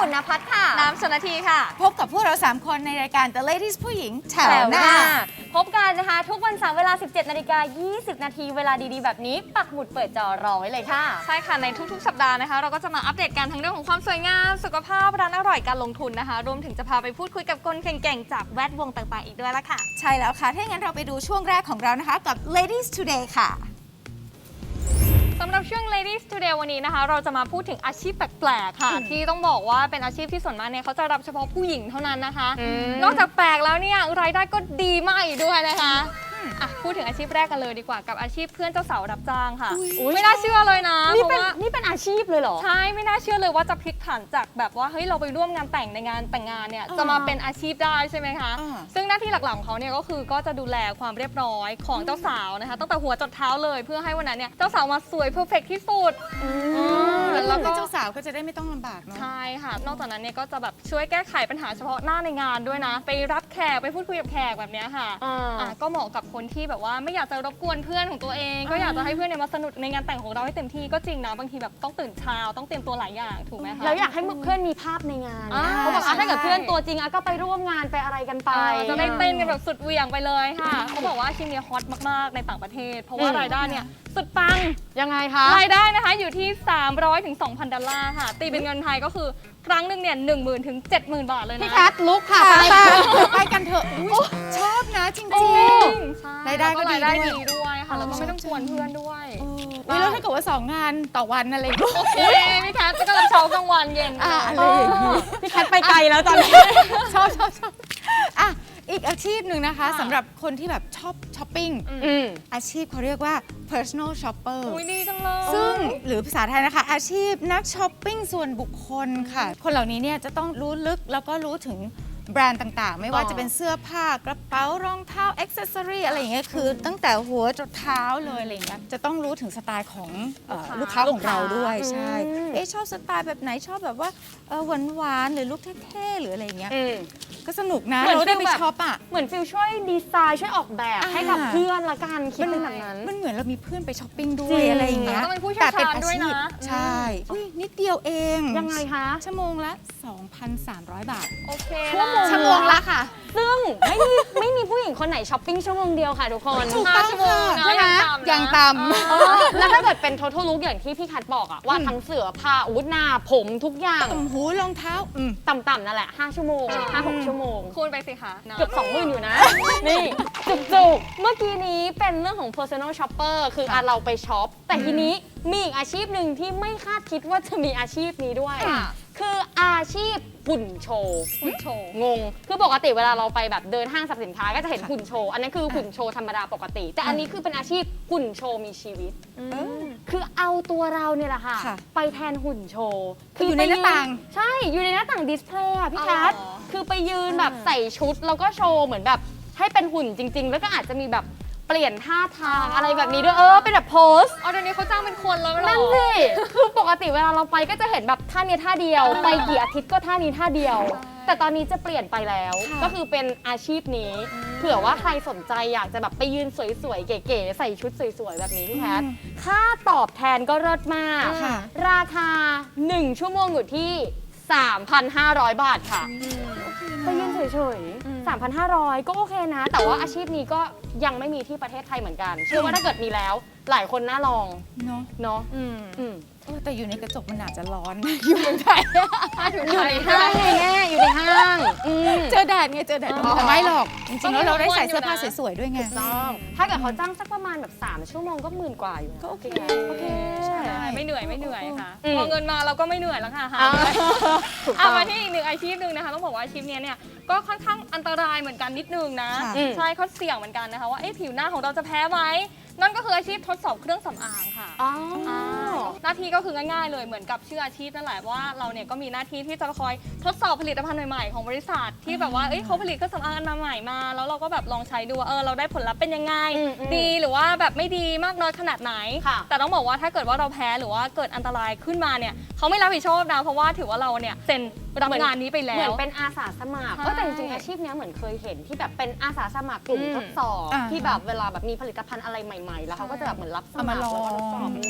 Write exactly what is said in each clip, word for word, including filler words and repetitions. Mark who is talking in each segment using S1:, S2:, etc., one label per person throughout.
S1: ปุ่นณภัทรค่ะ
S2: น้ำชนทีค่ะ
S3: พบกับพวกเราสามคนในรายการ The Ladies ผู้หญิงแถวหน้า
S1: พบกันนะคะทุกวันเสาร์เวลา สิบเจ็ดนาฬิกายี่สิบนาทีเวลาดีๆแบบนี้ปักหมุดเปิดจอรอไว้เลยค่ะ
S2: ใช่ค่ะในทุกๆสัปดาห์นะคะเราก็จะมาอัปเดตกันทั้งเรื่องของความสวยงามสุขภาพร้านอร่อยการลงทุนนะคะรวมถึงจะพาไปพูดคุยกับคนเก่งๆจากแวดวงต่างๆอีกด้วยละค่ะ
S3: ใช่แล้วค่ะถ้าอย่างนั้นเราไปดูช่วงแรกของเรานะคะกับ Ladies Today ค่ะ
S2: สำหรับช่วง Ladies Today วันนี้นะคะเราจะมาพูดถึงอาชีพแปลกๆค่ะที่ต้องบอกว่าเป็นอาชีพที่ส่วนมากเนี่ยเขาจะรับเฉพาะผู้หญิงเท่านั้นนะคะนอกจากแปลกแล้วเนี่ยรายได้ก็ดีมากอีกด้วยนะคะอ่ะพูดถึงอาชีพแรกกันเลยดีกว่ากับอาชีพเพื่อนเจ้าสาวรับจ้างค่ะไม่น่าเชื่อเลยนะ
S1: นี่เป็นนี่เป็นอาชีพเลยเหรอ
S2: ใช่ไม่น่าเชื่อเลยว่าจะพลิกผันจากแบบว่าเฮ้ยเราไปร่วมงานแต่งในงานแต่งงานเนี่ยจะมาเป็นอาชีพได้ใช่ไหมคะซึ่งหน้าที่หลักๆของเขาเนี่ยก็คือก็จะดูแลความเรียบร้อยของเจ้าสาวนะคะตั้งแต่หัวจนเท้าเลยเพื่อให้วันนั้นเนี่ยเจ้าสาวมาสวยเพอร์เฟกที่สุด
S3: แล้วก็เจ้าสาวก็จะได้ไม่ต้องลำบากเนาะ
S2: ใช่ค่ะนอกจากนั้นเนี่ยก็จะแบบช่วยแก้ไขปัญหาเฉพาะหน้าในงานด้วยนะไปรับแขกไปพูดคุยกับแขกแบบนี้ค่ะอ่ะก็เหมาะกับคนที่แบบว่าไม่อยากจะรบกวนเพื่อนของตัวเองก็อยากจะให้เพื่อนเนี่ยมาสนุกในงานแต่งของเราให้เต็มที่ก็จริงนะบางทีแบบต้องตื่นเช้าต้องเตรียมตัวหลายอย่างถูกไหมคะ
S1: แล้วอยากให้เพื่อนมีภาพในงานเขาบอกว่าถ้าเกิดเพื่อนตัวจริงก็ไปร่วมงานไปอะไรกันไป
S2: จะได้เต้นกันแบบสุดเหวี่ยงไปเลยค่ะเขาบอกว่าอาชีพนี้ฮอตมากๆในต่างประเทศเพราะว่ารายได้เนี่ยสุดปัง
S1: ยังไงคะ
S2: รายได้นะคะอยู่ที่สามร้อยถึงสองพันดอลลาร์ค่ะตีเป็นเงินไทยก็คือครั้งหนึ่งเนี่ยหนึ่งหมื่นถึงเจ็ดหมื่นบาทเลยนะ
S1: พี่แคทลุกค่ะ
S3: ไปกันเถอะชอบนะจริงๆรายได้ก็
S2: รายได้ดีด้วยค่ะแล้วก็ไม่ต้องกวนเพื่อนด้วย
S3: แล้วถ้าเกิดว่าสองงานต่อวันอะไรก็
S2: โอเคพี่แคทก็รับเช้ากลางวันเย็น
S3: อะไรอย่างนี้
S1: พี่แคทไปไกลแล้วตอนนี้
S3: ชอบชอบชอบอ่ะอีกอาชีพหนึ่งนะคะสำหรับคนที่แบบชอบช้อปปิ้งอาชีพเขาเรียกว่า personal shopper
S2: อุ้ยดีจังเลย
S3: ซึ่งหรือภาษาไทยนะคะอาชีพนักช้อปปิ้งส่วนบุคคลค่ะคนเหล่านี้เนี่ยจะต้องรู้ลึกแล้วก็รู้ถึงแบรนด์ต่างๆไม่ว่าจะเป็นเสื้อผ้ากระเป๋ารองเท้าอ็อกเซสซอรี่อะไรอย่างเงี้ยคือตั้งแต่หัวจนเท้าเลยอะไรอย่างเงี้ยจะต้องรู้ถึงสไตล์ของลูกค้าของเราด้วยใช่เอ๊ะชอบสไตล์แบบไหนชอบแบบว่าหวานๆหรือลุคเท่ๆหรืออะไรอย่างเงี้ยก็สนุกนะเราได้ไปช็อปอ่ะ
S1: เหมือนฟิลช่วยดีไซน์ช่วยออกแบบให้กับเพื่อนละกันคิดเป็นแบบนั้น
S3: มันเหมือนเรามีเพื่อนไปช้อปปิ้งด้วยอะไรอย่างเงี้ย
S2: แต่เป็นอาชีพ
S3: ใช่นิดเดียวเอง
S1: ยังไงคะ
S3: ชั่วโมงละ สองพันสามร้อย บาท
S2: โอเค
S3: ชั่วโมงละค่ะ
S1: ซึ่งไม่มีไม่มีผู้หญิงคนไหนช้อปปิ้งชั่วโมงเดียวค่ะทุกคน
S3: ถูกต้องค่ะใช่ไหมอย่างต่
S1: ำแล้วถ้าเกิดเป็น total look อย่างที่พี่คัทบอกอะว่าทั้งเสื้อผ้าอาวุธหน้าผมทุกอย่าง
S3: ต่ำหูรองเท้า
S1: ต่ำๆนั่นแหละห้าชั่วโมงห้าหกชั่วโมง
S2: คูณไปสิคะ
S1: เกือบสองหมื่นอยู่นะนี่จุกๆเมื่อกี้นี้เป็นเรื่องของ personal shopper คืออ่ะเราไปช็อปแต่ทีนี้มีอีกอาชีพหนึ่งที่ไม่คาดคิดว่าจะมีอาชีพนี้ด้วยคืออาชีพหุ่นโชว์
S2: หุ่นโชว์
S1: งงคือปกติเวลาเราไปแบบเดินห้างสรรพสินค้าก็จะเห็นหุ่นโชว์อันนั้นคือหุ่นโชว์ธรรมดาปกติแต่อันนี้คือเป็นอาชีพหุ่นโชว์มีชีวิตคือเอาตัวเราเนี่ยแหละค่ะไปแทนหุ่นโชว์
S3: คืออยู่ในหน้าต่าง
S1: ใช่อยู่ในหน้าต่างดิสเพลย์พี่แคทคือไปยืนแบบใส่ชุดแล้วก็โชว์เหมือนแบบให้เป็นหุ่นจริงๆแล้วก็อาจจะมีแบบเปลี่ยนท่าทางอะไรแบบนี้ด้วยเออเป็นแบบโพส
S2: อ๋อเดี๋ยวนี้เขาจ้างเป็นคนแล้ว
S1: นั่นสิคือปกติเวลาเราไปก็จะเห็นแบบท่านี้ท่าเดียวไปกี่อาทิตย์ก็ท่านี้ท่าเดียวแต่ตอนนี้จะเปลี่ยนไปแล้วก็คือเป็นอาชีพนี้เผื่อว่าใครสนใจอยากจะแบบไปยืนสวยๆเก๋ๆใส่ชุดสวยๆแบบนี้พี่แพทค่าตอบแทนก็เลิศมากราคาหนึ่งชั่วโมงอยู่ที่ สามพันห้าร้อย บาทค่ะไปยืนเฉยๆ สามพันห้าร้อย ก็โอเคนะแต่ว่าอาชีพนี้ก็ยังไม่มีที่ประเทศไทยเหมือนกันเชื่อว่าถ้าเกิดมีแล้วหลายคนน่าลอง
S3: เนาะ
S1: เนาะ
S3: แต่อยู่ในกระจกมันอาจจะร้อนอยู่เมืองไทย
S1: อยู่ในห้างไงแง่อยู่ในห้าง
S3: เจอแดดไงเจอแดดแต่ไม่หรอกจริงๆแล้วเราได้ใส่เสื้อผ้าสวยๆด้วยไง
S1: ต้องถ้าเกิดเขาจ้างสักประมาณแบบสามชั่วโมงก็หมื่นกว่าอยู่
S3: ก็โอเค
S1: โอเค
S2: ไม่เหนื่อยไม่เหนื่อยค่ะพอเงินมาเราก็ไม่เหนื่อยแล้วค่ะเอามาที่อีกหนึ่งอาชีพหนึ่งนะคะต้องบอกว่าอาชีพนี้เนี่ยก็ค่อนข้างอันตรายเหมือนกันนิดนึงนะใช่เขาเสี่ยงเหมือนกันนะคะว่าผิวหน้าของเราจะแพ้ไหมนั่นก็คืออาชีพทดสอบเครื่องสำอางค่ะหน้าที่ก็คือง่ายๆเลยเหมือนกับชื่ออาชีพนั่นแหละว่าเราเนี่ยก็มีหน้าที่ที่จะคอยทดสอบผลิตภัณฑ์ใหม่ๆของบริษัทที่แบบว่าเอ้ยเขาผลิตเครื่องสำอางอันใหม่มาแล้วเราก็แบบลองใช้ดูว่าเออเราได้ผลลัพธ์เป็นยังไงดีหรือว่าแบบไม่ดีมากน้อยขนาดไหนแต่ต้องบอกว่าถ้าเกิดว่าเราแพ้หรือว่าเกิดอันตรายขึ้นมาเนี่ยเขาไม่รับผิดชอบนะเพราะว่าถือว่าเราเนี่ยเซ็นรับงานนี้ไปแล้ว
S1: เหมือนเป็นอาสาสมัครก็แต่จริงๆอาชีพนี้เหมือนเคยเห็นที่แบบเป็นอาสาสมัครกลุ่มทดสอบที่แบบเวลาแบบมีผลิตภัณฑ์อะไรใหม่ๆแล้วเขาก็จะแบบเหมือนรับสมัครแล้วก็ทดสอบ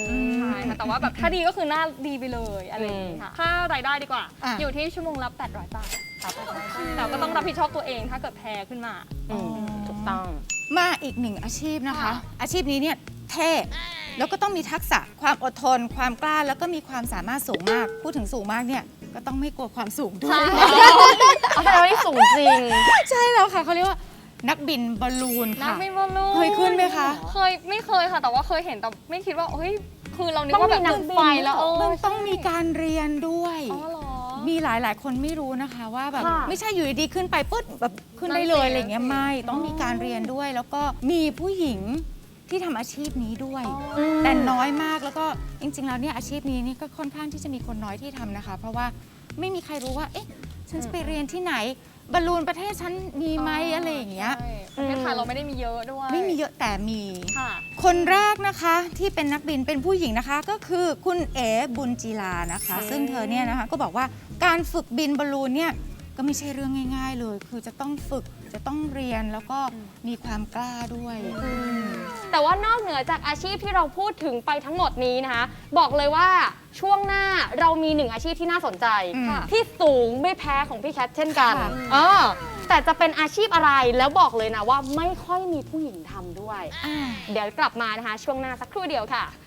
S2: ค่ะแต่ว่าแบบถ้าดีก็คือหน้าดีไปเลยอะไรอย่างนี้ค่ะค่ารายได้ดีกว่า
S3: อ่ะ
S2: อยู่ที่ชั่วโมงละแปดร้อยบาทแต่ก็ต้องรับผิดชอบตัวเองถ้าเกิดแพ้ขึ้นมา
S1: อืมถูกต้อง
S3: มาอีกหนึ่งอาชีพนะคะ
S2: ค่ะ
S3: อาชีพนี้เนี่ยเท่แล้วก็ต้องมีทักษะความอดทน ความกล้าแล้วก็มีความสามารถสูงมาก พูดถึงสูงมากเนี่ยก็ต้องไม่กลัวความสูงด้วย
S1: เอาแต่เราได้สูงจริง
S3: ใช่แล้วค่ะเขาเรียกว่านักบินบอลลูน
S2: นัก
S3: ค่ะ
S2: บินบอลลูน
S3: เคยขึ้นไหมคะ
S2: เคยไม่เคยค่ะ แต่ว่าเคยเห็นแต่ไม่คิดว่าเฮ้ยคือเรานึก
S1: ต้อง
S2: ว่าแบ
S1: มี
S2: บ
S1: นัก
S2: ขึ้น
S1: บิน
S2: ไฟแล้วเออ
S3: มันต้องมีการเรียนด้วย
S2: อ๋อเหรอ
S3: มีหลายหลายๆคนไม่รู้นะคะว่าแบบ
S1: ค่ะ
S3: ไม่ใช่อยู่ดีๆขึ้นไปปุ๊บแบบขึ้นได้
S2: นั่น
S3: เลย
S2: สิ
S3: อะไรอย่างเงี้ย
S2: นั่นสิ
S3: ไม่ต้องมีการเรียนด้วย แล้วก็มีผู้หญิงที่ทำอาชีพนี้ด้วย แต่น้อยมากแล้วก็จริงๆแล้วเนี่ยอาชีพนี้นี่ก็ค่อนข้างที่จะมีคนน้อยที่ทำนะคะ เพราะว่าไม่มีใครรู้ว่าเอ๊ะฉันจะไปเรียนที่ไหนบอลลูนประเทศฉันมีไหมอะไรอย่างเงี้ย
S2: ใช่ประเทศไทยเราไม่ได้มีเยอะด้วย
S3: ไม่มีเยอะแต่มี
S2: ค่ะ
S3: คนแรกนะคะที่เป็นนักบินเป็นผู้หญิงนะคะ ก็คือคุณเอ๋บุญจีลานะคะ ซึ่งเธอเนี่ยนะคะก็บอกว่าการฝึกบินบอลลูนเนี่ยก็ไม่ใช่เรื่องง่าย ๆ เลย คือจะต้องฝึกจะต้องเรียนแล้วก็มีความกล้าด้วย
S1: แต่ว่านอกเหนือจากอาชีพที่เราพูดถึงไปทั้งหมดนี้นะคะ บอกเลยว่าช่วงหน้าเรามีหนึ่งอาชีพที่น่าสนใจ
S3: อืม
S1: ที่สูงไม่แพ้ของพี่แคทเช่นกัน
S3: ค่ะ
S1: เออแต่จะเป็นอาชีพอะไรแล้วบอกเลยนะว่าไม่ค่อยมีผู้หญิงทำด้วย
S3: อ่า
S1: เดี๋ยวกลับมานะคะ ช่วงหน้าสักครู่เดียวค่ะ